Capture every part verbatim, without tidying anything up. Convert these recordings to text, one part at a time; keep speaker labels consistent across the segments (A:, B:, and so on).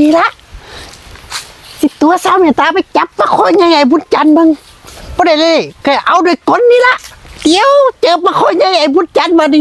A: นี้ละสิตัวสาวเมตตาไปจับปลาคอยใหญ่ๆบุญจันทร์บังบ่ได้เลยแค่เอาด้วยก้นนี่ละเดี๋ยวเจอปลาคอยใหญ่ๆบุญจันทร์มาดิ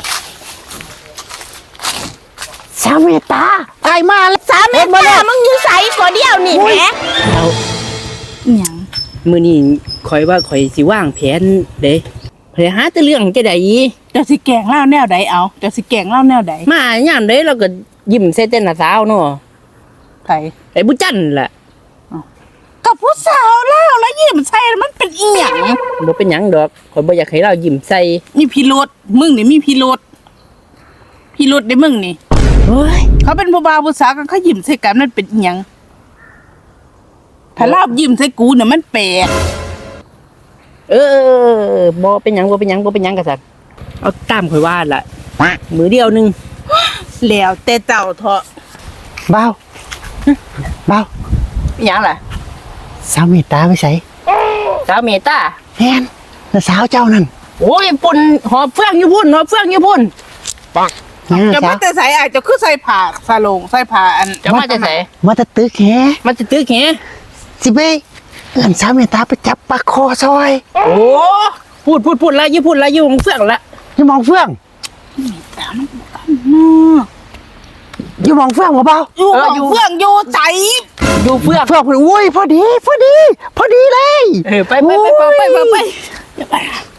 A: สาวเมตตาไอ้มาแล้ว
B: สามเมตตามึงอยู่ใส่ก่อเดียวนี่แหม
C: เอา
B: หยัง
C: มื้อนี้ข่อยว่าข่อยสิวางแผนเด้ข่อยหาแต่เรื่องจะได้
B: เจ้าสิแกงเล่าแนวใดเอาเจ้าสิแกงเล่าแนวใด
C: มายามใดเราก็ยิ้มใส่แต่หน้าสาวเนาะ
B: ไผ
C: ไอ้บุญจันทร์ล่ะ
B: กับผู้สาวเล่าแล้วยิ้มใส่มันเป็นอีหยัง
C: บ่เป็นหยังดอกข่อยบ่อยากให้เรายิ้มใส่
B: มีพิรุธมึงนี่มีพิรุธพิรุธได้มึงนี่
C: โอ้ย
B: เขาเป็นผู้บ่าวผู้สาวกันเขายิ้มใส่กันมันเป็นอีหยังถ้าลาบยิ้มใส่กูเนี่ยมันแปลก
C: เออบ่เป็นหยังบ่เป็นหยังบ่เป็นหยังก็ซักเอาตามข่อยว่าล่ะมือเดียวนึง
B: แล้วแต่เจ้าเถาะ
A: เบาเบา
B: อีหยังล่ะ
A: สาวเมตตาไปใส่
C: สาวเมตตา
A: แฮนแล้วสาวเจ้านั่น
C: โอ้ยปุ่นหอบเฟืองอยู่พุ่นหอบเฟืองอยู่พุ่น
A: เนี่ย
B: จะ
A: สา
B: มาว แต่ใส่อาจจะคือใส่ผ้าสาลงใส่ผ้าอัน
C: จะมาจะไส
A: มาแตะตึกแฮ
C: มันจะตึกแห
A: สิไปเอิ้นสาวเมตตาไปจับปลาคอซอย
C: โอ้พูดพูดพูดละอยู่พูดละอยู่ของเฟืองละ
A: อยู่หมองเฟือง อยู่หมองเฟืองบ่เบา
B: อยู่ของเฟื่องอยู่ใจ
C: อยู่เฟือง
A: เฟืองอุ้ยพอดีพอดี พอดีเลย
C: เออไปไปไปไปไปไปไป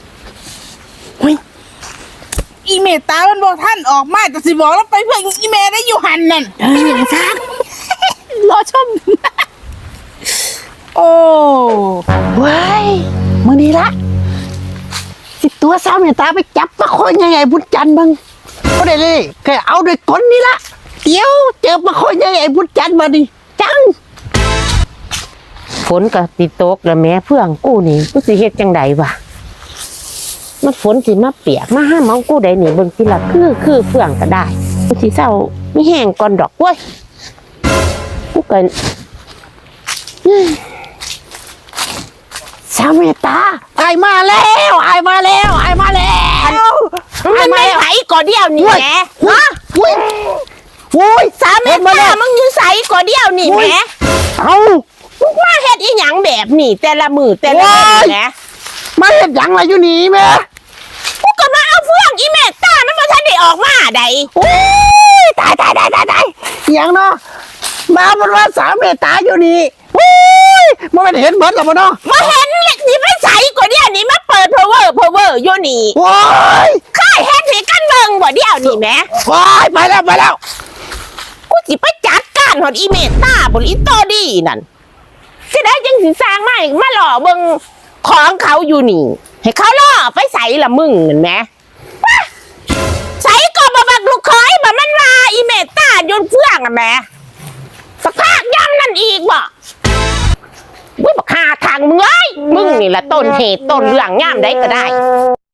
B: อีเมตตามันบอกท่านออกมาจะสิบอกแล้วไปเพื่อนอีเมได้อยู่หันนั่น
C: เออซัก
B: รอชม โอ้
A: เว้ยมื้อนี้ละสิตัวสาวเมตตาไปจับปลาคอยใหญ่ๆบุญจันทร์บังบ่ได้เลยแค่เอาด้วยก้นนี่ละเดี๋ยวเจอปลาคอยใหญ่ๆบุญจันทร์มาดิจัง
D: ฝนก็ติดตกแล้วแม่เพื่องกูนี่กูสิเฮ็ดจังใดวะมันฝนสิมาเปียกมาห้ามเอากูได้นี่เบิ่งสิล่ะคือคือเฟืองก็ได้กูสิเศร้ามีแห้งก่อนดอกเว้ยกูก็
A: สาวเมตตาไอ้มาแล้วไอ้มาแล้วไอ้มาแล้ว
B: มันไม่ไหวก่อเดียวนี่แหม
A: ฮะอุ้ยอุ้ย
B: สามเมตตามึงอยู่ใส่ก่อเดียวนี่แหม
A: เอา
B: มึงมาเฮ็ดอีหยังแบบนี่แต่ละมือแต่ละมือแหม
A: มาเฮ็ดหยังอะไรอยู่นี่แม่
B: กูก็มาเอาเฟื่องอีเมตตามันบ่ทันได้ออกมาใด
A: โอ้ยตายตายตายตายตายอหย่างเนาะมาบนว่าสาวเมตตาอยู่นี่โอ้ยมันไม่เห็นเบิดหรอกเนาะ
B: มาเห็นเลยสิไปใส่ก่อเดียวนี่มาเปิด power power อยู่นี่
A: โอ้ย
B: ค่ายเฮ็ดให้กันเบิ่งบ่เดียวนี่แหม
A: โอ้ยไปแล้วไปแล้ว
B: กูสิไปจัดการหอดอีเมตตาบนอีโตดีนั่นสิได้จังสิสร้างมาอีกมาหล่อเบิ่งของเขาอยู่นี่ ให้เขาล่อไปใส่ละมึงเห็นไหมวะใส่ก็บบักลูกคอยบ่มันว่าอีเมตตาโยนเฟื่องอ่ะแหม่สักพักย้ำนั่นอีกบ่วิบักหาทางมึงเอ้ยมึงนี่แหละต้นเหตุต้นเรื่องย่ามได้ก็ได้